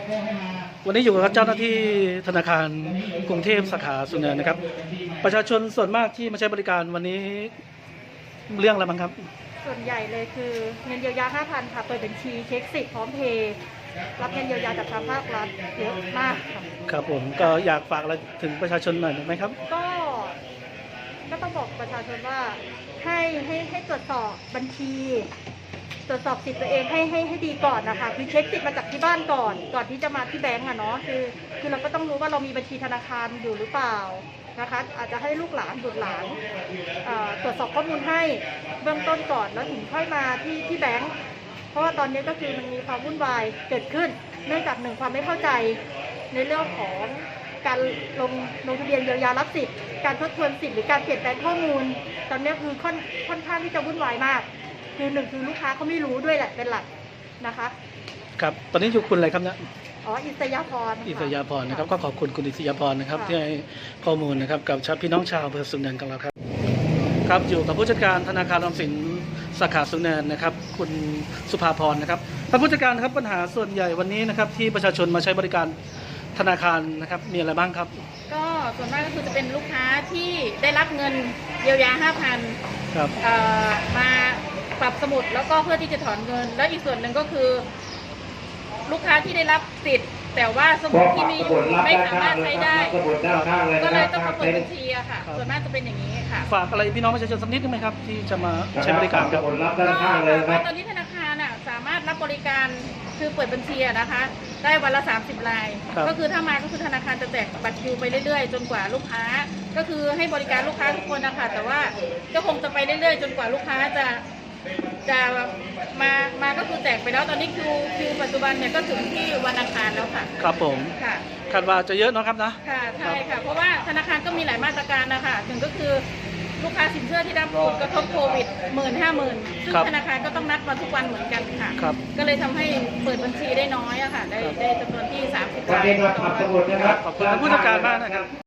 วันนี้อยู่กับเจ้าหน้าที่ธนาคารกรุงเทพสาขาสุนเนินนะครับประชาชนส่วนมากที่มาใช้บริการวันนี้เรื่องอะไรบ้างครับส่วนใหญ่เลยคือเงินเยียวยา 5,000 ค่ะเปิดบัญชีเช็คสิทธิ์พร้อมเพย์รับเงินเยียวยาจากทางภาครัฐเยอะมากค่ะครับผมก็อยากฝากอะไรถึงประชาชนหน่อยไหมครับก็ต้องบอกประชาชนว่าให้ตรวจสอบบัญชีตรวจสอบสิทธิ์ตัวเองให้ดีก่อนนะคะคือเช็คสิทธิ์มาจากที่บ้านก่อนที่จะมาที่แบงก์อะเนาะคือเราก็ต้องรู้ว่าเรามีบัญชีธนาคารอยู่หรือเปล่านะคะอาจจะให้ลูกหลานบุตรหลานตรวจสอบข้อมูลให้เบื้องต้นก่อนแล้วถึงค่อยมาที่แบงก์เพราะว่าตอนนี้ก็คือมันมีความวุ่นวายเกิดขึ้นเนื่องจากความไม่เข้าใจในเรื่องของการลงทะเบียนเยียวยารับสิทธิ์การทบทวนสิทธิ์หรือการเปลี่ยนแปลงข้อมูลตอนนี้คือค่อนข้างที่จะวุ่นวายมากคือคือลูกค้าเขาไม่รู้ด้วยแหละเป็นหลักนะคะครับตอนนี้อยู่คุณอะไรครับเนี่ยอิสยาพรนะครับก็ขอบคุณคุณอิสยาพรนะครับที่ให้ข้อมูลนะครับกับพี่น้องชาวอำเภอสุนเนินของเราครับครับอยู่กับผู้จัดการธนาคารออมสินสาขาสุนเนินนะครับคุณสุภาพรนะครับท่านผู้จัดการครับปัญหาส่วนใหญ่วันนี้นะครับที่ประชาชนมาใช้บริการธนาคารนะครับมีอะไรบ้างครับก็ส่วนมากก็คือจะเป็นลูกค้าที่ได้รับเงินเยียวยา 5,000 ครับมาปรับสมุดแล้วก็เพื่อที่จะถอนเงินแล้วอีกส่วนหนึ่งก็คือลูกค้าที่ได้รับสิทธิ์แต่ว่าสมุดที่มีไม่สามารถใช้ได้ก็เลยต้องมาเปิดบัญชีอะค่ะส่วนมากจะเป็นอย่างนี้ค่ะฝากอะไรพี่น้องประชาชนสักนิดได้ไหมครับที่จะมาใช้บริการครับตอนนี้ธนาคารสามารถรับบริการคือเปิดบัญชีนะคะได้วันละ30 รายก็คือถ้ามาก็คือธนาคารจะแจกบัตรคิวไปเรื่อยๆจนกว่าลูกค้าก็คือให้บริการลูกค้าทุกคนนะคะแต่ว่าก็คงจะไปเรื่อยๆจนกว่าลูกค้าจะมาก็คือแจกไปแล้วตอนนี้คิวปัจจุบันเนี่ยก็ถึงที่วันอังคารแล้วค่ะครับผมค่ะคาดว่าจะเยอะนะครับนะค่ะใช่ค่ะเพราะว่าธนาคารก็มีหลายมาตรการนะคะถึงก็คือลูกค้าสินเชื่อที่ได้รับผลกระทบโควิด50,000ซึ่งธนาคารก็ต้องนัดมาทุกวันเหมือนกันค่ะก็เลยทำให้เปิดบัญชีได้น้อยอะค่ะได้จำนวนที่30 รายขอบคุณผู้จัดการมากนะครับ